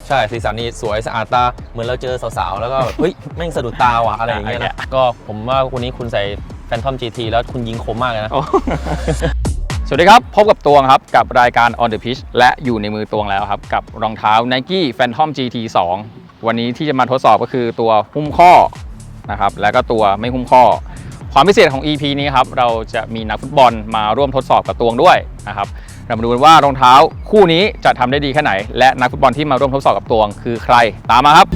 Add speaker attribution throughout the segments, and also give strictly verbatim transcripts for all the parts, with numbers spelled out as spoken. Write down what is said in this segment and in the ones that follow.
Speaker 1: ใช่สีสันนี่สวยสะอาดตาเหมือนเราเจอสาวๆแล้วก็เฮ้ยแม่งสะดุดตาว่ะอะไรอย่างเงี้ยนะก็ผมว่าวันนี้คุณใส่แฟนทอม จี ที แล้วคุณยิงคมมากเลยนะ
Speaker 2: สวัสดีครับพบกับตวงครับกับรายการ On the Pitch และอยู่ในมือตวงแล้วครับกับรองเท้า Nike Phantom จี ที สอง วันนี้ที่จะมาทดสอบก็คือตัวหุ้มข้อนะครับแล้วก็ตัวไม่หุ้มข้อความพิเศษของ อี พี นี้ครับเราจะมีนักฟุตบอลมาร่วมทดสอบกับตวงด้วยนะครับเรามาดูกันว่ารองเท้าคู่นี้จะทำได้ดีแค่ไหนและนักฟุตบอลที่มาร่วมทดสอบกับตวงคือใครตามมาครับ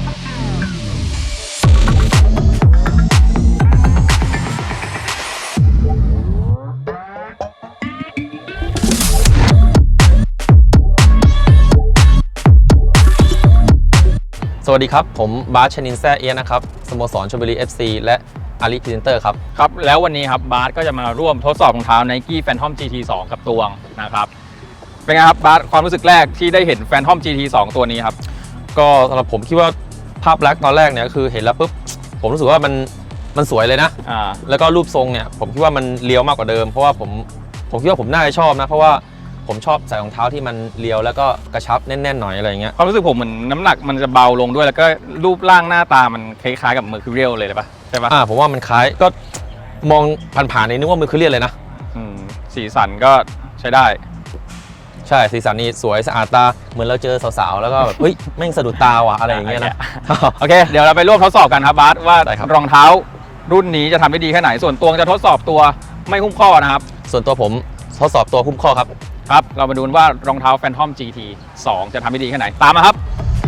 Speaker 1: สวัสดีครับผมบาสชนินแซ่เอียนะครับสโมสรชลบุรี เอฟ ซี และอาลีพรีเซนเตอร์ครับ
Speaker 2: ครับแล้ววันนี้ครับบาสก็จะมาร่วมทดสอบรองเท้า Nike Phantom จี ที สอง กับตวงนะครับเป็นไงครับบาสความรู้สึกแรกที่ได้เห็น Phantom จี ที สอง ตัวนี้ครับ
Speaker 1: ก็สำหรับผมคิดว่าภาพลักษณ์ตอนแรกเนี่ยคือเห็นแล้วปุ๊บผมรู้สึกว่ามันมันสวยเลยนะ
Speaker 2: อ่า
Speaker 1: แล้วก็รูปทรงเนี่ยผมคิดว่ามันเรียวมากกว่าเดิมเพราะว่าผมผมคิดว่าผมน่าจะชอบนะเพราะว่าผมชอบใส่รองเท้าที่มันเรียวแล้วก็กระชับแน่นๆหน่อยอะไรเงี้ย
Speaker 2: ความรู้สึกผมเหมือนน้ำหนักมันจะเบาลงด้วยแล้วก็รูปร่างหน้าตามันคล้ายๆกับ Mercurial เลยเลยปะใช่ปะ
Speaker 1: อ่าผมว่ามันคล้ายก็มองผ่านๆนี่นึกว่าMercurialเลยนะ
Speaker 2: อืมสีสันก็ใช้ได้
Speaker 1: ใช่สีสันนี่สวยสะอาดตาเหมือนเราเจอสาวๆแล้วก็แบบเฮ้ยแม่งสะดุดตาว่ะอะไรอย่างเงี้ยนะ
Speaker 2: โอเคเดี๋ยวเราไปร่วมทดสอบกันครับบาสว่ารองเท้ารุ่นนี้จะทำได้ดีแค่ไหนส่วนตัวจะทดสอบตัวไม่หุ้มข้อนะครับ
Speaker 1: ส่วนตัวผมทดสอบตัวหุ้มข้อครับ
Speaker 2: ครับเรามาดูว่ารองเท้า Phantom จี ที สอง จะทำได้ดีแค่ไหนตามมาครับ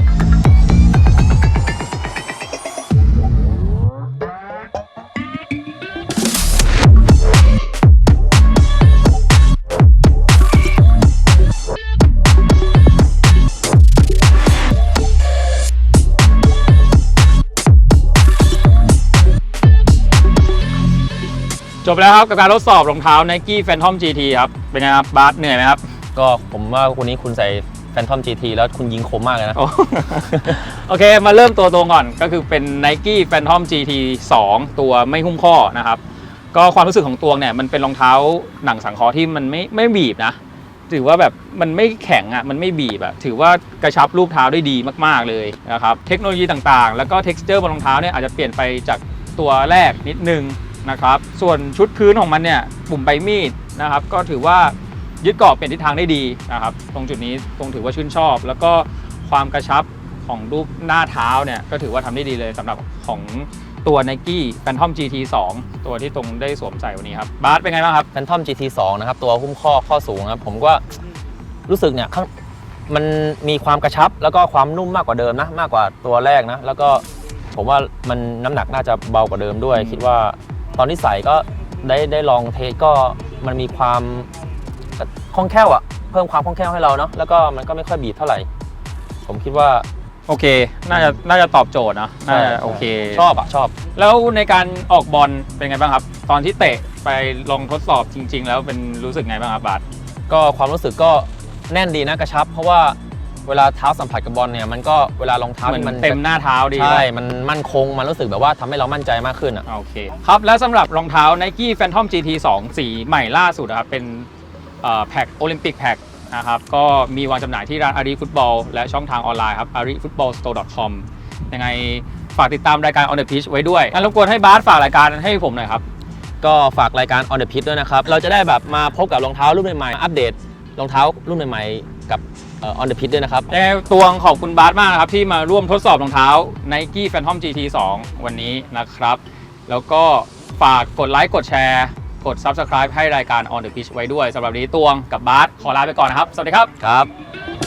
Speaker 2: จบแล้วครับกับการทดสอบรองเท้า Nike Phantom จี ที ครับเป็นไงครับบาสเหนื่อยไหมครับ
Speaker 1: ก็ผมว่าวันนี้คุณใส่ Phantom จี ที แล้วคุณยิงคมมากเลยนะ
Speaker 2: โอเคมาเริ่มตัวตรงก่อนก็คือเป็น Nike Phantom จี ที สอง ตัวไม่หุ้มข้อนะครับก็ความรู้สึกของตัวเนี่ยมันเป็นรองเท้าหนังสังเคราะห์ที่มันไม่ไม่บีบนะถือว่าแบบมันไม่แข็งอ่ะมันไม่บีบอ่ะถือว่ากระชับรูปเท้าได้ดีมากๆเลยนะครับเทคโนโลยีต่างๆแล้วก็ texture บนรองเท้าเนี่ยอาจจะเปลี่ยนไปจากตัวแรกนิดนึงนะครับส่วนชุดพื้นของมันเนี่ยปุ่มใบมีดนะครับก็ถือว่ายึดเกาะเปลี่ยนทิศทางได้ดีนะครับตรงจุดนี้ตรงถือว่าชื่นชอบแล้วก็ความกระชับของรูปหน้าเท้าเนี่ยก็ถือว่าทำได้ดีเลยสำหรับของตัว Nike Phantom จี ที สอง ตัวที่ตรงได้สวมใส่วันนี้ครับบาสเป็นไงบ้างครับ
Speaker 1: Phantom จี ที สอง นะครับตัวหุ้มข้อข้อสูงครับผมก็รู้สึกเนี่ยมันมีความกระชับแล้วก็ความนุ่มมากกว่าเดิมนะมากกว่าตัวแรกนะแล้วก็ผมว่ามันน้ำหนักน่าจะเบากว่าเดิมด้วยคิดว่าตอนที่ใส่ก็ได้ได้ลองเทสก็มันมีความคล่องแคล่วอะเพิ่มความคล่องแคล่วให้เราเนาะแล้วก็มันก็ไม่ค่อยบีบเท่าไหร่ผมคิดว่า
Speaker 2: โอเคน่าจะน่าจะตอบโจทย์นะน่าจะโอเค
Speaker 1: ชอบอะชอบ
Speaker 2: แล้วในการออกบอลเป็นไงบ้างครับตอนที่เตะไปลองทดสอบจริงๆแล้วเป็นรู้สึกไงบ้างครับบาส
Speaker 1: ก็ความรู้สึกก็แน่นดีนะกระชับเพราะว่าเวลาเท้าสัมผัสกับบอลเนี่ยมันก็เวลารองเท้า
Speaker 2: มันเต็มหน้าเท้าดี
Speaker 1: ใช่มันมั่นคงมันรู้สึกแบบว่าทำให้เรามั่นใจมากขึ้นอ่ะ
Speaker 2: โอเคครับและสำหรับรองเท้า Nike Phantom จี ที สอง สีใหม่ล่าสุดครับเป็นแพ็คโอลิมปิกแพ็คนะครับก็มีวางจำหน่ายที่ร้านอารีฟุตบอลและช่องทางออนไลน์ครับ อารีฟุตบอลสโตร์ ดอท คอม ยังไงฝากติดตามรายการ On the Pitch ไว้ด้วยงั้นรบกวนให้บาสฝากรายการให้ผมหน่อยครับ
Speaker 1: ก็ฝากรายการ On the Pitch ด้วยนะครับเราจะได้แบบมาพบกับรองเท้ารุ่นใหม่ๆอัปเดตรองเท้ารุ่นใหม่ๆกับOn the Pitch ด้วยนะครับ
Speaker 2: ยังไงตวงขอบคุณบาสมากนะครับที่มาร่วมทดสอบรองเท้า Nike Phantom จี ที สอง วันนี้นะครับแล้วก็ฝากกดไลค์กดแชร์กด Subscribe ให้รายการ On the Pitch ไว้ด้วยสำหรับนี้ตวงกับบาสขอลาไปก่อนนะครับสวัสดีครับ
Speaker 1: ครับ